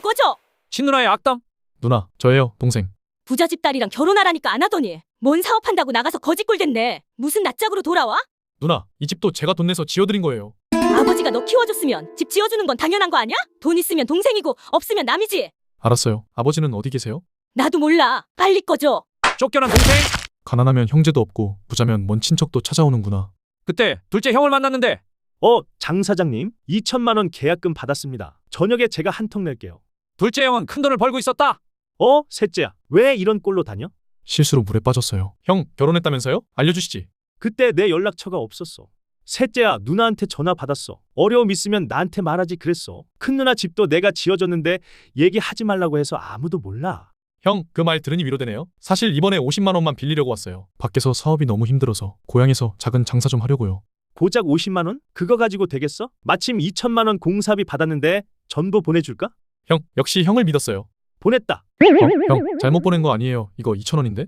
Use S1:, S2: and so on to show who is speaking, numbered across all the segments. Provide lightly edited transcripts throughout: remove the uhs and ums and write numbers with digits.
S1: 꺼져.
S2: 친누나의 악담?
S3: 누나, 저예요, 동생.
S1: 부자 집 딸이랑 결혼하라니까 안 하더니 뭔 사업한다고 나가서 거지꼴 됐네. 무슨 낯짝으로 돌아와?
S3: 누나, 이 집도 제가 돈 내서 지어드린 거예요.
S1: 아버지가 너 키워줬으면 집 지어주는 건 당연한 거 아니야? 돈 있으면 동생이고 없으면 남이지.
S3: 알았어요. 아버지는 어디 계세요?
S1: 나도 몰라. 빨리 꺼져.
S2: 쫓겨난 동생?
S3: 가난하면 형제도 없고 부자면 먼 친척도 찾아오는구나.
S2: 그때 둘째 형을 만났는데
S4: 장 사장님, 2천만 원 계약금 받았습니다. 저녁에 제가 한 통 낼게요.
S2: 둘째 형은 큰 돈을 벌고 있었다.
S4: 셋째야, 왜 이런 꼴로 다녀?
S3: 실수로 물에 빠졌어요. 형, 결혼했다면서요? 알려주시지.
S4: 그때 내 연락처가 없었어. 셋째야, 누나한테 전화 받았어. 어려움 있으면 나한테 말하지 그랬어. 큰 누나 집도 내가 지어줬는데 얘기하지 말라고 해서 아무도 몰라.
S3: 형, 그 말 들으니 위로되네요. 사실 이번에 50만 원만 빌리려고 왔어요. 밖에서 사업이 너무 힘들어서 고향에서 작은 장사 좀 하려고요.
S4: 고작 50만 원? 그거 가지고 되겠어? 마침 2천만 원 공사비 받았는데 전부 보내줄까?
S3: 형, 역시 형을 믿었어요.
S4: 보냈다.
S3: 형, 잘못 보낸 거 아니에요. 이거 2천 원인데?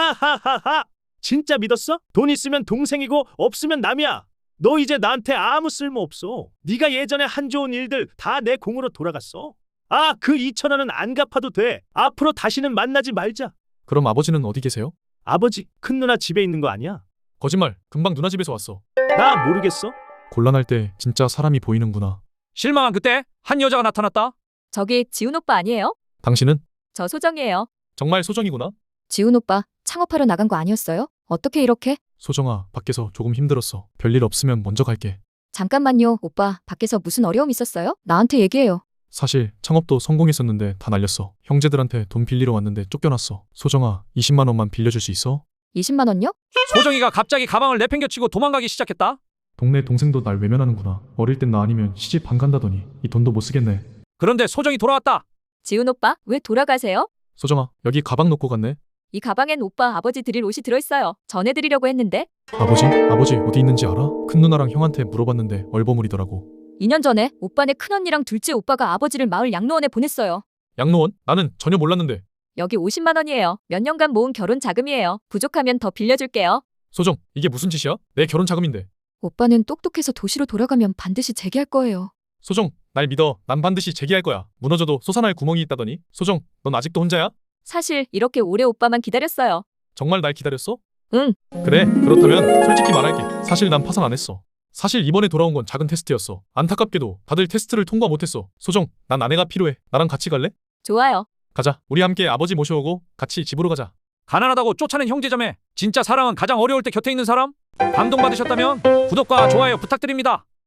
S4: 하하하하! 진짜 믿었어? 돈 있으면 동생이고 없으면 남이야. 너 이제 나한테 아무 쓸모 없어. 네가 예전에 한 좋은 일들 다 내 공으로 돌아갔어. 그 2천 원은 안 갚아도 돼. 앞으로 다시는 만나지 말자.
S3: 그럼 아버지는 어디 계세요?
S4: 아버지, 큰 누나 집에 있는 거 아니야?
S3: 거짓말, 금방 누나 집에서 왔어.
S4: 나 모르겠어?
S3: 곤란할 때 진짜 사람이 보이는구나.
S2: 실망한 그때 한 여자가 나타났다.
S5: 저기 지훈 오빠 아니에요?
S3: 당신은?
S5: 저 소정이에요.
S3: 정말 소정이구나.
S5: 지훈 오빠 창업하러 나간 거 아니었어요? 어떻게 이렇게?
S3: 소정아, 밖에서 조금 힘들었어. 별일 없으면 먼저 갈게.
S5: 잠깐만요, 오빠. 밖에서 무슨 어려움 있었어요? 나한테 얘기해요.
S3: 사실 창업도 성공했었는데 다 날렸어. 형제들한테 돈 빌리러 왔는데 쫓겨났어. 소정아, 20만 원만 빌려줄 수 있어?
S5: 20만 원요?
S2: 소정이가 갑자기 가방을 내팽겨치고 도망가기 시작했다.
S3: 동네 동생도 날 외면하는구나. 어릴 땐 나 아니면 시집 안 간다더니 이 돈도 못 쓰겠네.
S2: 그런데 소정이 돌아왔다.
S5: 지훈 오빠, 왜 돌아가세요?
S3: 소정아, 여기 가방 놓고 갔네.
S5: 이 가방엔 오빠 아버지 드릴 옷이 들어있어요. 전해드리려고 했는데.
S3: 아버지? 아버지 어디 있는지 알아? 큰 누나랑 형한테 물어봤는데 얼버무리더라고.
S5: 2년 전에 오빠네 큰언니랑 둘째 오빠가 아버지를 마을 양로원에 보냈어요.
S3: 양로원? 나는 전혀 몰랐는데.
S5: 여기 50만 원이에요. 몇 년간 모은 결혼 자금이에요. 부족하면 더 빌려줄게요.
S3: 소정, 이게 무슨 짓이야? 내 결혼 자금인데.
S5: 오빠는 똑똑해서 도시로 돌아가면 반드시 재기할 거예요.
S3: 소정, 날 믿어. 난 반드시 재기할 거야. 무너져도 솟아날 구멍이 있다더니. 소정, 넌 아직도 혼자야?
S5: 사실 이렇게 오래 오빠만 기다렸어요.
S3: 정말 날 기다렸어?
S5: 응.
S3: 그래, 그렇다면 솔직히 말할게. 사실 난 파산 안 했어. 사실 이번에 돌아온 건 작은 테스트였어. 안타깝게도 다들 테스트를 통과 못했어. 소정, 난 아내가 필요해. 나랑 같이 갈래?
S5: 좋아요.
S3: 가자. 우리 함께 아버지 모셔오고 같이 집으로 가자.
S2: 가난하다고 쫓아낸 형제자매. 진짜 사랑은 가장 어려울 때 곁에 있는 사람? 감동받으셨다면 구독과 좋아요 부탁드립니다.